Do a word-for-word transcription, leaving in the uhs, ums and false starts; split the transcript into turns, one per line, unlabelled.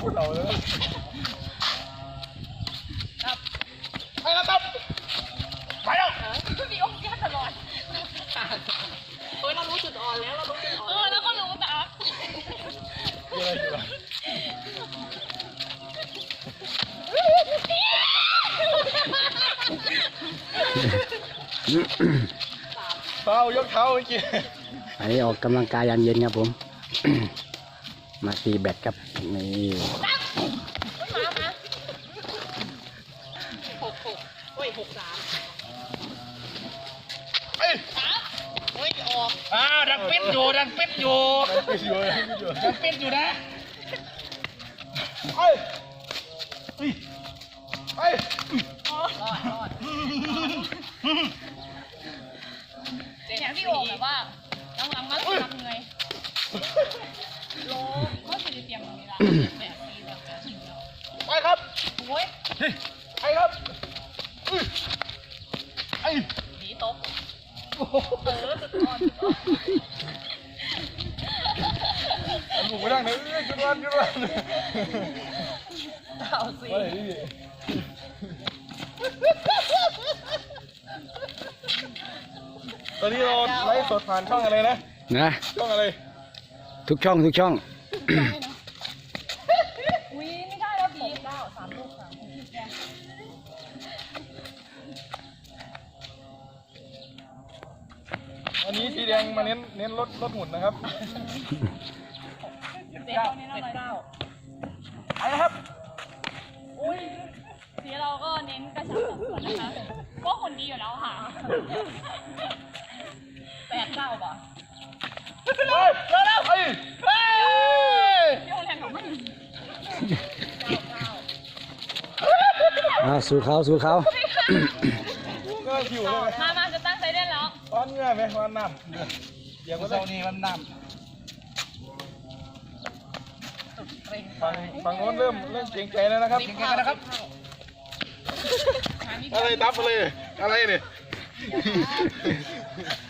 พูดเราเลยไปแล้วตับไปแล้ว
มีองค์แก้ตลอดเฮ้ยเรารู้จุดอ่อนแล้วเรารู้จุดอ่อนเออแล้วก็รู้ตับ
เยอะอยู่เท้ายกเท้าเมื่อกี้
อันนี้ออกกำลังกายยามเย็นครับผม มาตีแบดครับนี่
มามาหกหกโอ้ยหกสาม
เอ้ย
โอ้ยออก
อ่าดังเป็ดอยู่ดังเป็ดอยู่
ดังเป็ดอยู่
ดังเป็ดอยู่นะ
เอ้ยเอ้ยเอ้ย
รอดรอดอย่างที่โอ่งแบบว่าหลังๆมาแล้วทำไงโลก็จะเตรียมเวลาแบบนี้แบบนี้
ไปครับ
โอ้ย
ไปครับไอ้
ดีตบเออสุดยอด
ลูกไม่ได้เลยจุดวันจุดวัน
เอาสิ
ตอนนี้เราไลฟ์สดผ่านช่องอะไรนะ
นะ
ช่องอะไร
ทุกช่องทุกช่อง
อุ้ยไม่ได้แล้วบีเก้าสามลูกค่ะ
วันนี้สีแดงมาเน้นเน้นรถรถหมุนนะครับ
เก้าเก้าเก้า
ไปครับ
อุ้ยสีเราก็เน้นกระชับสัดส่วนนะคะก็คนดีอยู่แล้วค่ะแปดเก้าป่ะ
เฮ้ยเร็วเร็วเฮ้ยเฮ้ย
พี่โอแรงของมัน
อ่าสู่เขาสู่เขา
ก็ผิวเลย
มามาจะตั้งใจเล่นแล้ว
ตอนเงื่อไหมวันน้ำเดี๋ยวก็เจ้านี่วันน้ำฝั่งฝั่งโน้นเริ่มเริ่มเก่งใจแล้วนะครับ
เก่งใจนะครับ
อะไรตับอะไรอะไรเนี่ย